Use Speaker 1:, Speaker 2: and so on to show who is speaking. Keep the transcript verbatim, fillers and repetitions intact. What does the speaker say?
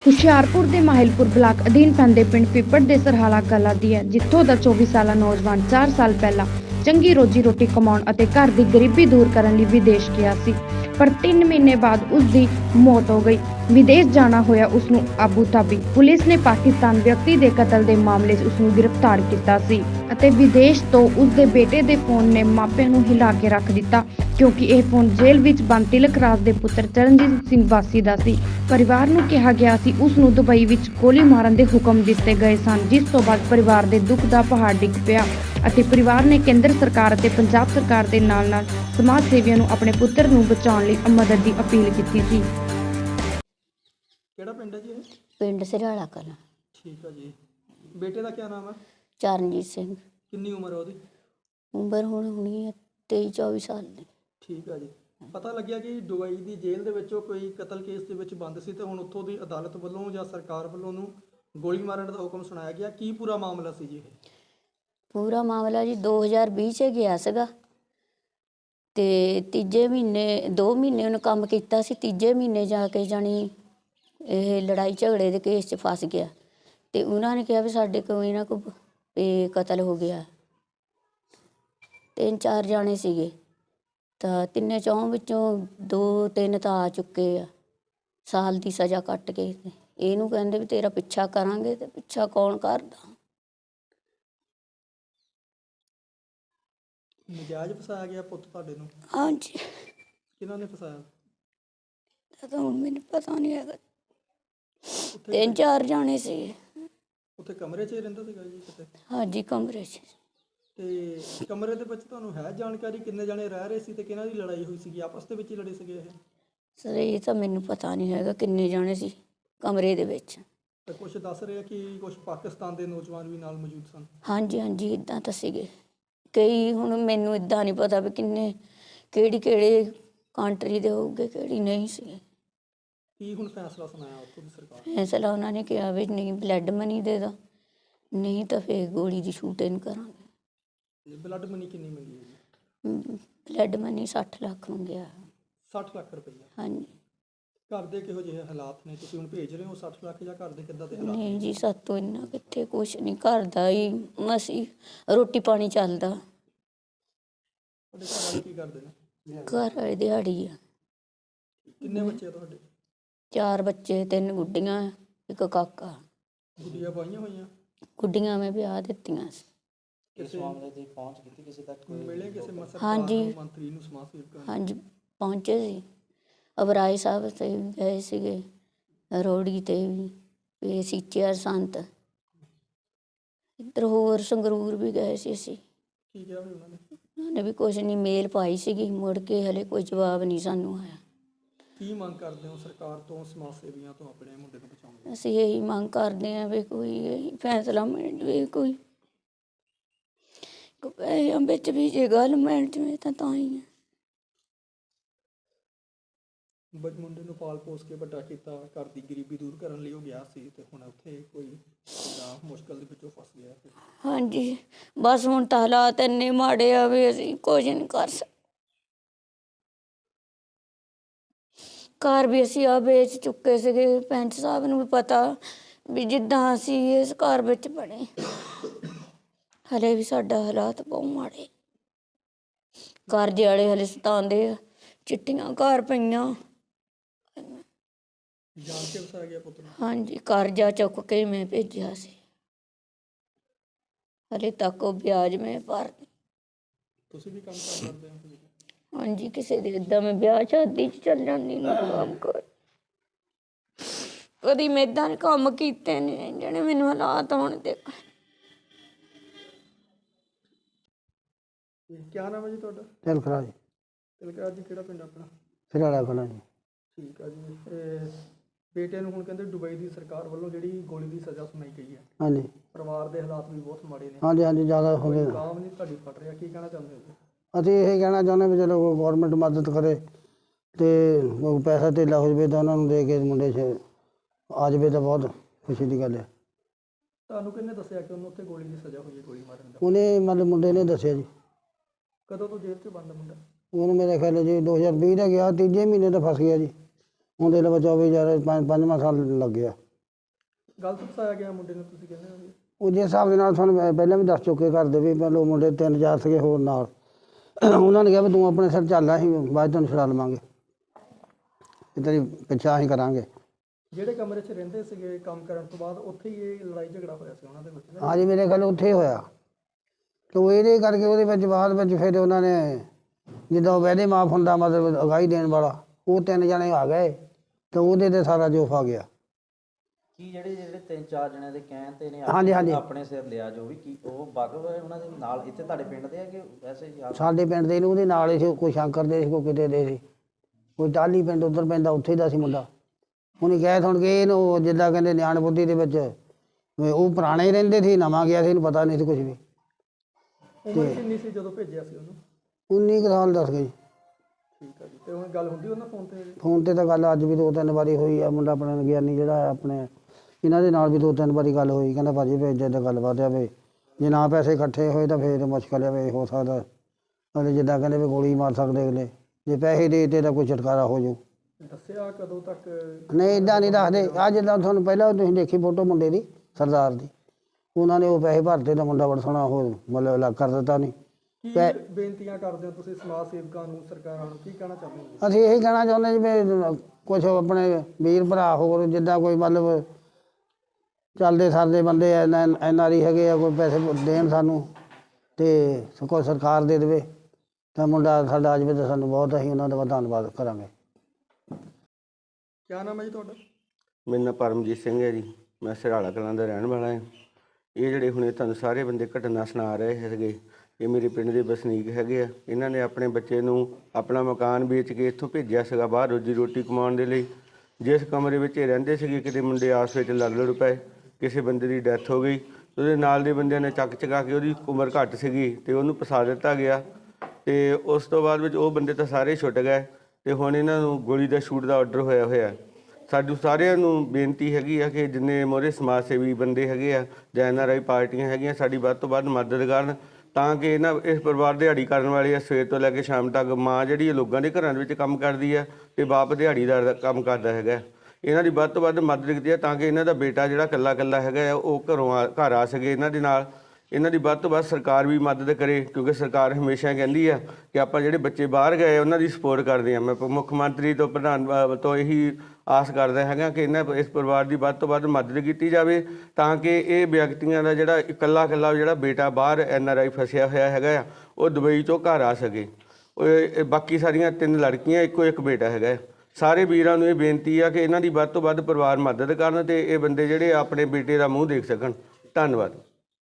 Speaker 1: ਹੁਸ਼ਿਆਰਪੁਰ ਦੇ ਮਾਹਿਲਪੁਰ ਬਲਾਕ ਅਧੀਨ ਪੈਂਦੇ ਪਿੰਡ ਪਿੱਪੜ ਦੇ ਸਰਹਾਲਾ ਕਲਾਂ ਦੀ ਹੈ, ਜਿੱਥੋਂ ਦਾ ਚੌਵੀ ਸਾਲਾ ਨੌਜਵਾਨ ਚਾਰ ਸਾਲ ਪਹਿਲਾਂ ਚੰਗੀ ਰੋਜੀ ਰੋਟੀ ਕਮਾਉਣ ਅਤੇ ਘਰ ਦੀ ਗਰੀਬੀ ਦੂਰ ਕਰਨ ਲਈ ਵਿਦੇਸ਼ ਗਿਆ ਸੀ। ਪਰ ਤਿੰਨ ਮਹੀਨੇ ਬਾਅਦ ਉਸ ਦੀ ਮੌਤ ਹੋ ਗਈ। ਵਿਦੇਸ਼ ਜਾਣਾ ਹੋਇਆ ਉਸ ਨੂੰ ਆਬੂ ਧਾਬੀ। ਪੁਲਿਸ ਨੇ ਪਾਕਿਸਤਾਨ ਵਿਅਕਤੀ ਦੇ ਕਤਲ ਦੇ ਮਾਮਲੇ 'ਚ ਉਸ ਨੂੰ ਗ੍ਰਿਫਤਾਰ ਕੀਤਾ ਸੀ ਅਤੇ ਵਿਦੇਸ਼ ਤੋਂ ਉਸ ਦੇ ਬੇਟੇ ਦੇ ਫੋਨ ਨੇ ਮਾਪਿਆਂ ਨੂੰ ਹਿਲਾ ਕੇ ਰੱਖ ਦਿੱਤਾ, ਕਿਉਂਕਿ ਇਹ ਫੋਨ ਜੇਲ੍ਹ ਵਿੱਚ ਬੰਦ ਤਿਲਕ ਰਾਜ ਦੇ ਪੁੱਤਰ ਚਰਨਜੀਤ ਸਿੰਘ ਵਾਸੀ ਦਾ ਸੀ। ਪਰਿਵਾਰ ਨੂੰ ਕਿਹਾ ਗਿਆ ਸੀ ਉਸ ਨੂੰ ਦੁਬਈ ਵਿੱਚ ਗੋਲੀ ਮਾਰਨ ਦੇ ਹੁਕਮ ਦਿੱਤੇ ਗਏ ਸਨ, ਜਿਸ ਤੋਂ ਬਾਅਦ ਪਰਿਵਾਰ ਦੇ ਦੁੱਖ ਦਾ ਪਹਾੜ ਡਿੱਗ ਪਿਆ ਅਤੇ ਪਰਿਵਾਰ ਨੇ ਕੇਂਦਰ ਸਰਕਾਰ ਅਤੇ ਪੰਜਾਬ ਸਰਕਾਰ ਦੇ ਨਾਲ-ਨਾਲ ਸਮਾਜ ਸੇਵੀਆਂ ਨੂੰ ਆਪਣੇ ਪੁੱਤਰ ਨੂੰ ਬਚਾਉਣ ਲਈ ਮਦਦ ਦੀ ਅਪੀਲ ਕੀਤੀ ਸੀ।
Speaker 2: ਕਿਹੜਾ ਪਿੰਡ ਹੈ ਜੀ ਇਹ?
Speaker 3: ਪਿੰਡ ਸਰਹਾਲਾ ਕਲਾਂ।
Speaker 2: ਠੀਕ ਹੈ ਜੀ। ਬੇਟੇ ਦਾ ਕੀ ਨਾਮ ਹੈ?
Speaker 3: ਚਰਨਜੀਤ ਸਿੰਘ।
Speaker 2: ਕਿੰਨੀ ਉਮਰ ਹੈ ਉਹਦੀ?
Speaker 3: ਉਮਰ ਹੁਣ ਹੋਣੀ ਹੈ ਤੇਈ ਚੌਵੀ ਸਾਲ ਦੀ।
Speaker 2: ਠੀਕ ਹੈ ਜੀ। ਪਤਾ ਲੱਗਿਆ ਕਿ ਦੁਬਈ ਦੀ ਜੇਲ੍ਹ ਦੇ ਵਿੱਚੋਂ ਕੋਈ ਕਤਲ ਕੇਸ ਦੇ ਵਿੱਚ ਬੰਦ ਸੀ ਤੇ ਹੁਣ ਉੱਥੋਂ ਦੀ ਅਦਾਲਤ ਵੱਲੋਂ ਜਾਂ ਸਰਕਾਰ ਵੱਲੋਂ ਉਹਨੂੰ ਗੋਲੀ ਮਾਰਨ ਦਾ ਹੁਕਮ ਸੁਣਾਇਆ ਗਿਆ। ਕੀ ਪੂਰਾ ਮਾਮਲਾ ਸੀ ਜੀ ਇਹ?
Speaker 3: ਪੂਰਾ ਮਾਮਲਾ ਜੀ ਦੋ ਹਜ਼ਾਰ ਵੀਹ 'ਚ ਗਿਆ ਸੀਗਾ ਤੇ ਤੀਜੇ ਮਹੀਨੇ ਦੋ ਮਹੀਨੇ ਉਹਨੇ ਕੰਮ ਕੀਤਾ ਸੀ। ਤੀਜੇ ਮਹੀਨੇ ਜਾ ਕੇ ਜਾਣੀ ਇਹ ਲੜਾਈ ਝਗੜੇ ਦੇ ਕੇਸ 'ਚ ਫਸ ਗਿਆ ਤੇ ਉਹਨਾਂ ਨੇ ਕਿਹਾ ਵੀ ਸਾਡੇ ਕੋਲ ਇਹਨਾਂ ਕੋਲ ਵੀ ਕਤਲ ਹੋ ਗਿਆ। ਤਿੰਨ ਚਾਰ ਜਾਣੇ ਸੀਗੇ ਤਾਂ ਤਿੰਨੇ ਚੌਂ ਵਿੱਚੋਂ ਦੋ ਤਿੰਨ ਤਾਂ ਆ ਚੁੱਕੇ ਆ, ਸਾਲ ਦੀ ਸਜ਼ਾ ਕੱਟ ਕੇ। ਇਹਨੂੰ ਕਹਿੰਦੇ ਵੀ ਤੇਰਾ ਪਿੱਛਾ ਕਰਾਂਗੇ ਤੇ ਪਿੱਛਾ ਕੌਣ ਕਰਦਾ।
Speaker 2: ਨਜਾਇਜ਼ ਫਸਾਇਆ ਗਿਆ ਪੁੱਤ ਤੁਹਾਡੇ ਨੂੰ?
Speaker 3: ਹਾਂਜੀ।
Speaker 2: ਕਿਹਨਾਂ ਨੇ ਫਸਾਇਆ?
Speaker 3: ਤਾਂ ਹੁਣ ਮੈਨੂੰ ਪਤਾ ਨਹੀਂ ਹੈਗਾ। ਤਿੰਨ ਚਾਰ ਜਾਣੇ ਸੀ।
Speaker 2: ਉੱਥੇ ਕਮਰੇ 'ਚ ਹੀ ਰਹਿੰਦਾ ਸੀਗਾ ਜੀ ਕਿਤੇ?
Speaker 3: ਹਾਂਜੀ, ਕਮਰੇ 'ਚ।
Speaker 2: ਤੇ ਕਮਰੇ ਦੇ ਵਿੱਚ ਤੁਹਾਨੂੰ ਹੈ ਜਾਣਕਾਰੀ ਕਿੰਨੇ ਜਾਣੇ ਰਹਿ ਰਹੇ ਸੀ ਤੇ ਕਿਹਨਾਂ ਦੀ ਲੜਾਈ ਹੋਈ ਸੀਗੀ? ਆਪਸ ਦੇ ਵਿੱਚ ਹੀ ਲੜੇ ਸੀਗੇ ਇਹ?
Speaker 3: ਸਰ ਇਹ ਤਾਂ ਮੈਨੂੰ ਪਤਾ ਨਹੀਂ ਹੈਗਾ ਕਿੰਨੇ ਜਾਣੇ ਸੀ ਕਮਰੇ ਦੇ ਵਿੱਚ।
Speaker 2: ਤੇ ਕੁਝ ਦੱਸ ਰਹੇ ਆ ਕਿ ਕੁਝ ਪਾਕਿਸਤਾਨ ਦੇ ਨੌਜਵਾਨ ਵੀ ਨਾਲ ਮੌਜੂਦ ਸਨ।
Speaker 3: ਹਾਂਜੀ ਹਾਂਜੀ, ਇੱਦਾਂ ਤਾਂ ਸੀਗੇ ਕਈ। ਹੁਣ ਮੈਨੂੰ ਇੱਦਾਂ ਨਹੀਂ ਪਤਾ ਵੀ ਕਿੰਨੇ ਕਿਹੜੀ ਕਿਹੜੇ ਕੰਟਰੀ ਦੇ ਹੋਊਗੇ, ਕਿਹੜੀ ਨਹੀਂ ਸੀ।
Speaker 2: ਕੀ ਹੁਣ ਫੈਸਲਾ ਸੁਣਾਇਆ ਉੱਥੋਂ ਦੀ ਸਰਕਾਰ?
Speaker 3: ਫੈਸਲਾ ਉਹਨਾਂ ਨੇ ਕਿਹਾ ਵੀ ਨਹੀਂ ਬਲੱਡ ਮਨੀ ਦੇ ਦੋ, ਨਹੀਂ ਤਾਂ ਫਿਰ ਗੋਲੀ ਦੀ ਸ਼ੂਟਿੰਗ ਕਰਾਂਗੇ।
Speaker 2: ਬਲੱਡ ਮਨੀ ਕਿੰਨੀ ਮੰਗੀ ਹੈ ਜੀ?
Speaker 3: ਬਲੱਡ ਮਨੀ ਸੱਠ ਲੱਖ ਨੂੰ ਗਿਆ।
Speaker 2: ਸੱਠ ਲੱਖ ਰੁਪਈਆ?
Speaker 3: ਹਾਂਜੀ।
Speaker 2: ਘਰ ਦੇ ਕਿਹੋ ਜਿਹੇ ਹਾਲਾਤ ਨੇ? ਤੁਸੀਂ ਹੁਣ ਭੇਜ ਰਹੇ ਹੋ ਸੱਠ ਲੱਖ ਜਾਂ ਘਰ ਦੇ ਕਿੱਦਾਂ ਦੇ ਹਾਲਾਤ?
Speaker 3: ਨਹੀਂ ਜੀ, ਸਾਤੋਂ ਇੰਨਾ ਕਿੱਥੇ, ਕੁਛ ਨਹੀਂ। ਘਰ ਦਾ ਹੀ ਮਸੀਂ ਰੋਟੀ ਪਾਣੀ ਚੱਲਦਾ।
Speaker 2: ਤੁਹਾਡੇ ਘਰ ਵਾਲੇ ਕੀ ਕਰਦੇ ਨੇ?
Speaker 3: ਘਰ ਵਾਲੇ ਦਿਹਾੜੀ ਆ।
Speaker 2: ਕਿੰਨੇ ਬੱਚੇ ਆ ਤੁਹਾਡੇ?
Speaker 3: ਚਾਰ ਬੱਚੇ, ਤਿੰਨ ਗੁੱਡੀਆਂ, ਇੱਕ ਕਾਕਾ।
Speaker 2: ਗੁੱਡੀਆਂ ਪਾਈਆਂ ਹੋਈਆਂ?
Speaker 3: ਗੁੱਡੀਆਂ ਮੈਂ ਵਿਆਹ ਦਿੱਤੀਆਂ ਸੀ।
Speaker 2: ਕਿਸੇ ਮਾਮਲੇ ਦੀ ਪਹੁੰਚ ਕੀਤੀ ਕਿਸੇ ਤੱਕ? ਮਿਲੇ ਕਿਸੇ ਮਸਲ
Speaker 3: ਹਾਂਜੀ
Speaker 2: ਮੰਤਰੀ ਨੂੰ, ਸਮਾਜ ਸੇਵਕਾਂ?
Speaker 3: ਹਾਂਜੀ, ਪਹੁੰਚੇ ਸੀ। ਅਬਰਾਏ ਸਾਹਿਬ ਤੇ ਵੀ ਗਏ ਸੀਗੇ, ਰੋੜੀ ਤੇ ਵੀ, ਸੀਚੇਆਰ ਸੰਤ, ਇੱਧਰ ਹੋਰ ਸੰਗਰੂਰ ਵੀ ਗਏ ਸੀ ਅਸੀਂ।
Speaker 2: ਕੀ ਕਿਹਾ ਉਹਨਾਂ ਨੇ?
Speaker 3: ਉਹਨਾਂ ਨੇ ਵੀ ਕੁਛ ਨਹੀਂ, ਮੇਲ ਪਾਈ ਸੀਗੀ, ਮੁੜ ਕੇ ਹਲੇ ਕੋਈ ਜਵਾਬ ਨਹੀਂ ਸਾਨੂੰ ਆਇਆ।
Speaker 2: ਕੀ ਮੰਗ ਕਰਦੇ ਹੋ ਸਰਕਾਰ ਤੋਂ, ਸਮਾਜ ਸੇਵੀਆਂ ਤੋਂ ਆਪਣੇ ਮੁੰਡੇ ਨੂੰ ਬਚਾਉਣ ਲਈ?
Speaker 3: ਅਸੀਂ ਇਹੀ ਮੰਗ ਕਰਦੇ ਹਾਂ ਵੀ ਕੋਈ ਇਹੀ ਫੈਸਲਾ ਮਿਲ ਜਾਵੇ। ਕੋਈ ਪੈਸਿਆਂ ਵਿੱਚ ਵੀ ਜੇ ਗੱਲ ਮਿਲ ਜਾਵੇ ਤਾਂ ਤਾਂ ਹੀ ਹੈ।
Speaker 2: ਬਚ ਮੁੰਡੇ ਨੂੰ ਪਾਲ ਪੋਸ ਕੇ ਵੱਡਾ ਕੀਤਾ, ਘਰ ਦੀ ਗਰੀਬੀ ਦੂਰ ਕਰਨ ਲਈ ਉਹ ਗਿਆ ਸੀ ਤੇ ਹੁਣ ਉੱਥੇ ਕੋਈ ਮੁਸ਼ਕਲ ਦੇ ਵਿੱਚੋਂ ਫਸ ਗਿਆ।
Speaker 3: ਹਾਂਜੀ, ਬਸ ਹੁਣ ਤਾਂ ਹਾਲਾਤ ਇੰਨੇ ਮਾੜੇ ਆ ਵੀ ਅਸੀਂ ਕੁਝ ਨਹੀਂ ਕਰ ਸਕਦੇ। ਘਰ ਵੀ ਅਸੀਂ ਆ ਵੇਚ ਚੁੱਕੇ ਸੀਗੇ। ਪੈਂਚ ਸਾਹਿਬ ਨੂੰ ਵੀ ਪਤਾ ਵੀ ਜਿੱਦਾਂ ਅਸੀਂ ਇਸ ਘਰ ਵਿੱਚ ਬਣੇ, ਹਲੇ ਵੀ ਸਾਡਾ ਹਾਲਾਤ ਬਹੁਤ ਮਾੜੇ। ਕਰਜ਼ੇ ਵਾਲੇ ਹਲੇ ਸਤਾਉਂਦੇ ਆ, ਚਿੱਟੀਆਂ ਘਰ ਪਈਆਂ।
Speaker 2: ਜਾਣ ਕੇ ਵਸਾ ਗਿਆ ਪੁੱਤ ਨੂੰ? ਹਾਂਜੀ,
Speaker 3: ਕਰਜ਼ਾ ਚੁੱਕ ਕੇ ਮੈਂ ਭੇਜਿਆ ਸੀ, ਹਲੇ ਤੱਕ ਉਹ ਵਿਆਜ ਮੈਂ ਭਰ।
Speaker 2: ਤੁਸੀਂ ਵੀ ਕੰਮ ਕਾਰ ਕਰਦੇ ਹੋ?
Speaker 3: ਹਾਂਜੀ, ਕਿਸੇ ਦੇ ਇੱਦਾਂ ਮੈਂ ਵਿਆਹ ਸ਼ਾਦੀ 'ਚ ਚੱਲ ਜਾਂਦੀ ਨਾ ਕੰਮ ਕਰ। ਕਦੀ ਮੈਂ ਇੱਦਾਂ ਦੇ ਕੰਮ ਕੀਤੇ ਨੇ ਜਿਹੜੇ ਮੈਨੂੰ ਹਾਲਾਤ ਹੋਣ ਦੇ।
Speaker 2: ਕਿਆ ਨਾਮ ਹੈ ਜੀ ਤੁਹਾਡਾ?
Speaker 4: ਤਿਲਕਰਾਜ।
Speaker 2: ਤਿਲਕਰਾਜ ਜੀ, ਕਿਹੜਾ ਪਿੰਡ ਆਪਣਾ?
Speaker 4: ਸਰਹਾਲਾ ਕਲਾਂ ਜੀ।
Speaker 2: ਠੀਕ ਆ ਜੀ। ਇਹ ਬੇਟੇ ਨੂੰ ਹੁਣ ਕਹਿੰਦੇ ਦੁਬਈ ਦੀ ਸਰਕਾਰ ਵੱਲੋਂ ਜਿਹੜੀ ਗੋਲੀ ਦੀ ਸਜ਼ਾ ਸੁਣਾਈ ਗਈ ਹੈ।
Speaker 4: ਹਾਂਜੀ
Speaker 2: ਪਰਿਵਾਰ ਦੇ ਹਾਲਾਤ ਵੀ ਬਹੁਤ ਮਾੜੇ ਨੇ।
Speaker 4: ਹਾਂਜੀ ਹਾਂਜੀ, ਜ਼ਿਆਦਾ ਹੋ ਗਏ।
Speaker 2: ਕੰਮ ਨਹੀਂ ਤੁਹਾਡੀ ਫਟ ਰਿਹਾ, ਕੀ ਕਹਿਣਾ ਚਾਹੁੰਦੇ ਹੋ ਜੀ?
Speaker 4: ਅਸੀਂ ਇਹ ਕਹਿਣਾ ਚਾਹੁੰਦੇ ਵੀ ਚਲੋ ਗੌਰਮੈਂਟ ਮਦਦ ਕਰੇ ਅਤੇ ਪੈਸਾ ਧੇਲਾ ਹੋ ਜਾਵੇ ਤਾਂ ਉਹਨਾਂ ਨੂੰ ਦੇ ਕੇ ਮੁੰਡੇ 'ਚ ਆ ਜਾਵੇ ਤਾਂ ਬਹੁਤ ਖੁਸ਼ੀ ਦੀ ਗੱਲ ਹੈ।
Speaker 2: ਤੁਹਾਨੂੰ ਕਿਹਨੇ ਦੱਸਿਆ ਕਿ ਉਹਨੂੰ ਉੱਥੇ ਗੋਲੀ ਦੀ ਸਜ਼ਾ ਹੋਈ ਹੈ, ਗੋਲੀ ਮਾਰਨ ਦਾ?
Speaker 4: ਉਹਨੇ ਮਤਲਬ ਮੁੰਡੇ ਨੇ ਦੱਸਿਆ ਜੀ।
Speaker 2: ਕਦੋਂ ਤੋਂ ਜੇਲ੍ਹ 'ਚ ਬੰਦ ਮੁੰਡਾ?
Speaker 4: ਉਹਨੂੰ ਮੇਰੇ ਖਿਆਲ ਜੀ ਦੋ ਹਜ਼ਾਰ ਵੀਹ ਦਾ ਗਿਆ, ਤੀਜੇ ਮਹੀਨੇ ਤਾਂ ਫਸ ਗਿਆ ਜੀ। ਹੁਣ ਦੇ ਲਵਾ ਚੌਵੀ ਹਜ਼ਾਰ ਪੰਜ ਪੰਜਵਾਂ ਸਾਲ ਲੱਗ ਗਿਆ।
Speaker 2: ਗਲਤ ਫਸਾਇਆ ਗਿਆ ਮੁੰਡੇ ਨੂੰ, ਤੁਸੀਂ ਕਹਿੰਦੇ ਹੋ ਜੀ?
Speaker 4: ਉਹ ਜਿਸ ਹਿਸਾਬ ਦੇ ਨਾਲ ਤੁਹਾਨੂੰ ਮੈਂ ਪਹਿਲਾਂ ਵੀ ਦੱਸ ਚੁੱਕੇ ਘਰ ਦੇ ਵੀ ਪਹਿਲਾਂ ਮੁੰਡੇ ਤਿੰਨ ਚਾਰ ਸੀਗੇ ਹੋਰ ਨਾਲ, ਉਹਨਾਂ ਨੇ ਕਿਹਾ ਵੀ ਤੂੰ ਆਪਣੇ ਸਿਰ ਚੱਲ, ਅਸੀਂ ਬਾਅਦ 'ਚ ਤੈਨੂੰ ਛੁਡਾ ਲਵਾਂਗੇ, ਤੇ ਤੇਰੀ ਪਿੱਛਾ ਅਸੀਂ ਕਰਾਂਗੇ।
Speaker 2: ਜਿਹੜੇ ਕਮਰੇ 'ਚ ਰਹਿੰਦੇ ਸੀਗੇ ਕੰਮ ਕਰਨ ਤੋਂ ਬਾਅਦ ਉੱਥੇ ਹੀ ਇਹ ਲੜਾਈ ਝਗੜਾ ਹੋਇਆ ਸੀ ਉਹਨਾਂ ਦੇ ਵਿੱਚ ਨਾ?
Speaker 4: ਹਾਂਜੀ, ਮੇਰੇ ਖਿਆਲ ਉੱਥੇ ਹੀ ਹੋਇਆ। ਤੇ ਉਹ ਇਹਦੇ ਕਰਕੇ ਉਹਦੇ ਵਿੱਚ ਬਾਅਦ ਵਿੱਚ ਫਿਰ ਉਹਨਾਂ ਨੇ ਜਿੱਦਾਂ ਉਹ ਵੈਦੇ ਮਾਫ ਹੁੰਦਾ, ਮਤਲਬ ਅਗਾਈ ਦੇਣ ਵਾਲਾ, ਉਹ ਤਿੰਨ ਜਣੇ ਆ ਗਏ ਤੇ ਉਹਦੇ ਤੇ ਸਾਰਾ ਜੋਫ ਆ ਗਿਆ।
Speaker 5: ਕੀ ਜਿਹੜੇ ਜਿਹੜੇ ਤਿੰਨ ਚਾਰ ਜਣਿਆਂ ਦੇ ਕਹਿਣ ਤੇ ਨੇ
Speaker 4: ਹਾਂਜੀ, ਹਾਂਜੀ।
Speaker 5: ਆਪਣੇ ਸਿਰ ਲਿਆ ਜੋ ਵੀ, ਕੀ ਉਹ ਵਾਕਫ ਹੈ ਉਹਨਾਂ ਦੇ ਨਾਲ ਇੱਥੇ ਤੁਹਾਡੇ ਪਿੰਡ ਦੇ ਆ ਕਿ ਵੈਸੇ ਹੀ ਆਪ?
Speaker 4: ਸਾਡੇ ਪਿੰਡ ਦੇ ਨੂੰ ਉਹਦੇ ਨਾਲ ਹੀ ਸੀ, ਕੋਈ ਸ਼ੰਕਰ ਦੇ ਸੀ, ਕੋਈ ਕਿਤੇ ਦੇ ਸੀ, ਕੋਈ ਟਾਹਲੀ ਪਿੰਡ ਉੱਧਰ ਪੈਂਦਾ, ਉੱਥੇ ਦਾ ਸੀ ਮੁੰਡਾ। ਉਹਨੇ ਕਹਿ ਸੁਣ ਕੇ ਇਹਨੂੰ ਜਿੱਦਾਂ ਕਹਿੰਦੇ ਨਿਆਣ ਬੁੱਧੀ ਦੇ ਵਿੱਚ ਵੀ ਉਹ ਪੁਰਾਣੇ ਹੀ ਰਹਿੰਦੇ ਸੀ, ਨਵਾਂ ਗਿਆ ਸੀ, ਇਹਨੂੰ ਪਤਾ ਨਹੀਂ ਸੀ ਕੁਛ ਵੀ।
Speaker 2: ਉਮਰ ਕਿੰਨੀ ਸੀ ਜਦੋਂ ਭੇਜਿਆ ਸੀ ਉਹਨੂੰ?
Speaker 4: ਉੱਨੀ ਕੁ ਸਾਲ ਦੱਸ ਗਏ।
Speaker 2: ਠੀਕ ਆ ਜੀ। ਤੇ ਹੁਣ ਗੱਲ ਹੁੰਦੀ ਉਹਨਾਂ ਫੋਨ ਤੇ?
Speaker 4: ਫੋਨ ਤੇ ਤਾਂ ਗੱਲ ਅੱਜ ਵੀ ਦੋ ਤਿੰਨ ਵਾਰੀ ਹੋਈ ਆ। ਮੁੰਡਾ ਆਪਣਾ ਗਿਆਨੀ ਜਿਹੜਾ ਆਪਣੇ ਇਹਨਾਂ ਦੇ ਨਾਲ ਵੀ ਦੋ ਤਿੰਨ ਵਾਰੀ ਗੱਲ ਹੋਈ, ਕਹਿੰਦਾ ਭਾਜੀ ਵੀ ਇੱਦਾਂ ਗੱਲਬਾਤ ਆ ਵੀ ਜੇ ਨਾ ਪੈਸੇ ਇਕੱਠੇ ਹੋਏ ਤਾਂ ਫਿਰ ਮੁਸ਼ਕਲ ਆ, ਵੀ ਹੋ ਸਕਦਾ ਅਗਲੇ ਜਿੱਦਾਂ ਕਹਿੰਦੇ ਵੀ ਗੋਲੀ ਮਾਰ ਸਕਦੇ ਅਗਲੇ, ਜੇ ਪੈਸੇ ਦੇ ਦਿੱਤੇ ਤਾਂ ਕੋਈ ਛੁਟਕਾਰਾ ਹੋ ਜਾਊ।
Speaker 2: ਦੱਸਿਆ ਕਦੋਂ ਤੱਕ?
Speaker 4: ਨਹੀਂ, ਇੱਦਾਂ ਨਹੀਂ ਦੱਸਦੇ। ਆ ਜਿੱਦਾਂ ਤੁਹਾਨੂੰ ਪਹਿਲਾਂ ਤੁਸੀਂ ਦੇਖੀ ਫੋਟੋ ਮੁੰਡੇ ਦੀ, ਸਰਦਾਰ ਦੀ, ਉਹਨਾਂ ਨੇ ਉਹ ਪੈਸੇ ਭਰਤੇ ਤਾਂ ਮੁੰਡਾ ਬੜਾ ਸੋਹਣਾ ਉਹ ਮਤਲਬ ਅਲੱਗ ਕਰ ਦਿੱਤਾ। ਨਹੀਂ
Speaker 2: ਕੀ ਬੇਨਤੀਆਂ ਕਰਦੇ ਹੋ ਤੁਸੀਂ ਸਮਾਜ ਸੇਵਕਾਂ ਨੂੰ, ਸਰਕਾਰਾਂ ਨੂੰ, ਕੀ ਕਹਿਣਾ ਚਾਹੁੰਦੇ ਹੋ?
Speaker 4: ਅਸੀਂ ਇਹੀ ਕਹਿਣਾ ਚਾਹੁੰਦੇ ਜੀ ਵੀ ਕੁਛ ਆਪਣੇ ਵੀਰ ਭਰਾ ਹੋਰ ਜਿੱਦਾਂ ਕੋਈ ਮਤਲਬ ਚੱਲਦੇ ਸਰਦੇ ਬੰਦੇ ਐਨ ਐਨ ਆਰ ਈ ਹੈਗੇ ਆ, ਕੋਈ ਪੈਸੇ ਦੇਣ ਸਾਨੂੰ ਤੇ ਕੋਈ ਸਰਕਾਰ ਦੇ ਦੇਵੇ ਤਾਂ ਮੁੰਡਾ ਸਾਡਾ ਅੱਜ ਵੀ ਤਾਂ ਸਾਨੂੰ ਬਹੁਤ, ਅਸੀਂ ਉਹਨਾਂ ਦਾ ਧੰਨਵਾਦ ਕਰਾਂਗੇ।
Speaker 2: ਕੀ ਨਾਮ ਹੈ ਜੀ ਤੁਹਾਡਾ?
Speaker 6: ਮੇਰਾ ਨਾਮ ਪਰਮਜੀਤ ਸਿੰਘ ਹੈ ਜੀ, ਮੈਂ ਸਿਰਾਲਾ ਕਲਾਂ ਦਾ ਰਹਿਣ ਵਾਲਾ ਹਾਂ। ਇਹ ਜਿਹੜੇ ਹੁਣੇ ਤੁਹਾਨੂੰ ਸਾਰੇ ਬੰਦੇ ਘਟਨਾ ਸੁਣਾ ਰਹੇ ਸੀਗੇ, ਇਹ ਮੇਰੇ ਪਿੰਡ ਦੇ ਵਸਨੀਕ ਹੈਗੇ ਆ। ਇਹਨਾਂ ਨੇ ਆਪਣੇ ਬੱਚੇ ਨੂੰ ਆਪਣਾ ਮਕਾਨ ਵੇਚ ਕੇ ਇੱਥੋਂ ਭੇਜਿਆ ਸੀਗਾ ਬਾਹਰ ਰੋਜੀ ਰੋਟੀ ਕਮਾਉਣ ਦੇ ਲਈ। ਜਿਸ ਕਮਰੇ ਵਿੱਚ ਇਹ ਰਹਿੰਦੇ ਸੀਗੇ, ਕਿਤੇ ਮੁੰਡੇ ਆਪਸ ਵਿੱਚ ਲੜ ਲੜ ਪਏ, ਕਿਸੇ ਬੰਦੇ ਦੀ ਡੈਥ ਹੋ ਗਈ। ਉਹਦੇ ਨਾਲ ਦੇ ਬੰਦਿਆਂ ਨੇ ਚੱਕ ਚਕਾ ਕੇ, ਉਹਦੀ ਉਮਰ ਘੱਟ ਸੀਗੀ ਤੇ ਉਹਨੂੰ ਫਸਾ ਦਿੱਤਾ ਗਿਆ। ਤੇ ਉਸ ਤੋਂ ਬਾਅਦ ਵਿੱਚ ਉਹ ਬੰਦੇ ਤਾਂ ਸਾਰੇ ਛੁੱਟ ਗਏ ਤੇ ਹੁਣ ਇਹਨਾਂ ਨੂੰ ਗੋਲੀ ਦਾ ਸ਼ੂਟ ਦਾ ਆਰਡਰ ਹੋਇਆ ਹੋਇਆ। ਸਾਨੂੰ ਸਾਰਿਆਂ ਨੂੰ ਬੇਨਤੀ ਹੈਗੀ ਆ ਕਿ ਜਿੰਨੇ ਮੋਹਰੇ ਸਮਾਜ ਸੇਵੀ ਬੰਦੇ ਹੈਗੇ ਆ ਜਾਂ ਐਨ ਆਰ ਆਈ ਪਾਰਟੀਆਂ ਹੈਗੀਆਂ, ਸਾਡੀ ਵੱਧ ਤੋਂ ਵੱਧ ਮਦਦ ਕਰਨ ਤਾਂ ਕਿ ਇਹਨਾਂ ਇਸ ਪਰਿਵਾਰ ਦਿਹਾੜੀ ਕਰਨ ਵਾਲੇ ਆ, ਸਵੇਰ ਤੋਂ ਲੈ ਕੇ ਸ਼ਾਮ ਤੱਕ। ਮਾਂ ਜਿਹੜੀ ਲੋਕਾਂ ਦੇ ਘਰਾਂ ਦੇ ਵਿੱਚ ਕੰਮ ਕਰਦੀ ਆ ਤੇ ਬਾਪ ਦਿਹਾੜੀਦਾਰ ਦਾ ਕੰਮ ਕਰਦਾ ਹੈਗਾ। ਇਹਨਾਂ ਦੀ ਵੱਧ ਤੋਂ ਵੱਧ ਮਦਦ ਕੀਤੀ ਆ ਤਾਂ ਕਿ ਇਹਨਾਂ ਦਾ ਬੇਟਾ ਜਿਹੜਾ ਇਕੱਲਾ ਇਕੱਲਾ ਹੈਗਾ ਆ ਉਹ ਘਰੋਂ ਆ ਘਰ ਆ ਸਕੇ ਇਹਨਾਂ ਦੇ ਨਾਲ। ਇਹਨਾਂ ਦੀ ਵੱਧ ਤੋਂ ਵੱਧ ਸਰਕਾਰ ਵੀ ਮਦਦ ਕਰੇ, ਕਿਉਂਕਿ ਸਰਕਾਰ ਹਮੇਸ਼ਾ ਕਹਿੰਦੀ ਆ ਕਿ ਆਪਾਂ ਜਿਹੜੇ ਬੱਚੇ ਬਾਹਰ ਗਏ ਉਹਨਾਂ ਦੀ ਸਪੋਰਟ ਕਰਦੇ ਹਾਂ। ਮੈਂ ਮੁੱਖ ਮੰਤਰੀ ਤੋਂ ਪ੍ਰਧਾਨ ਤੋਂ ਇਹੀ ਆਸ ਕਰਦਾ ਹੈਗਾ ਕਿ ਇਹਨਾਂ ਇਸ ਪਰਿਵਾਰ ਦੀ ਵੱਧ ਤੋਂ ਵੱਧ ਮਦਦ ਕੀਤੀ ਜਾਵੇ ਤਾਂ ਕਿ ਇਹ ਵਿਅਕਤੀਆਂ ਦਾ ਜਿਹੜਾ ਇਕੱਲਾ ਇਕੱਲਾ ਜਿਹੜਾ ਬੇਟਾ ਬਾਹਰ ਐਨ ਆਰ ਆਈ ਫਸਿਆ ਹੋਇਆ ਹੈਗਾ ਆ ਉਹ ਦੁਬਈ 'ਚੋਂ ਘਰ ਆ ਸਕੇ। ਉਹ ਬਾਕੀ ਸਾਰੀਆਂ ਤਿੰਨ ਲੜਕੀਆਂ, ਇੱਕੋ ਇੱਕ ਬੇਟਾ ਹੈਗਾ। ਸਾਰੇ ਵੀਰਾਂ ਨੂੰ ਇਹ ਬੇਨਤੀ ਆ ਕਿ ਇਹਨਾਂ ਦੀ ਵੱਧ ਤੋਂ ਵੱਧ ਪਰਿਵਾਰ ਮਦਦ ਕਰਨ ਤੇ ਇਹ ਬੰਦੇ ਜਿਹੜੇ ਆਪਣੇ ਬੇਟੇ ਦਾ ਮੂੰਹ ਦੇਖ ਸਕਣ। ਧੰਨਵਾਦ।